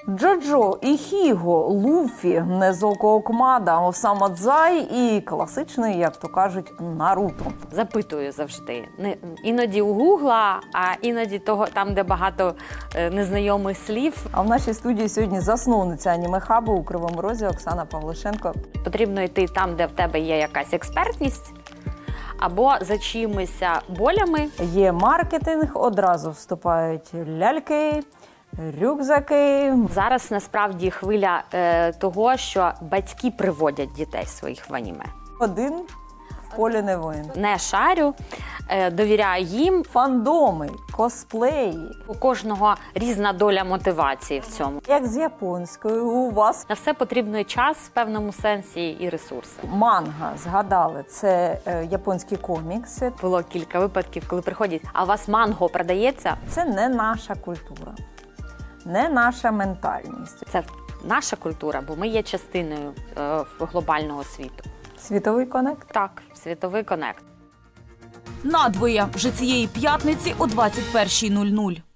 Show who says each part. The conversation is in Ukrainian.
Speaker 1: Джоджо, Іхіго, Луфі, Незоко Окмада, Осама Дзай і класичний, як то кажуть, Наруто.
Speaker 2: Запитую завжди. Іноді у Гугла, а іноді того там, де багато незнайомих слів.
Speaker 1: А в нашій студії сьогодні засновниця аніме-хабу у Кривому Розі Оксана Павлишенко.
Speaker 2: Потрібно йти там, де в тебе є якась експертність, або за чимось болями.
Speaker 1: Є маркетинг, одразу вступають ляльки, рюкзаки.
Speaker 2: Зараз насправді хвиля того, що батьки приводять дітей своїх в аніме.
Speaker 1: Один в полі не воїн.
Speaker 2: Не шарю, довіряю їм.
Speaker 1: Фандоми, косплеї.
Speaker 2: У кожного різна доля мотивації в цьому.
Speaker 1: Як з японською, у вас
Speaker 2: На все потрібно і час в певному сенсі, і ресурси.
Speaker 1: манга, згадали, це японські комікси.
Speaker 2: Було кілька випадків, коли приходять, а у вас манго продається?
Speaker 1: Це не наша культура, не наша ментальність.
Speaker 2: Це наша культура, бо ми є частиною глобального світу.
Speaker 1: Світовий конект.
Speaker 2: Так, світовий конект.
Speaker 3: Надвоє вже цієї п'ятниці о 21:00.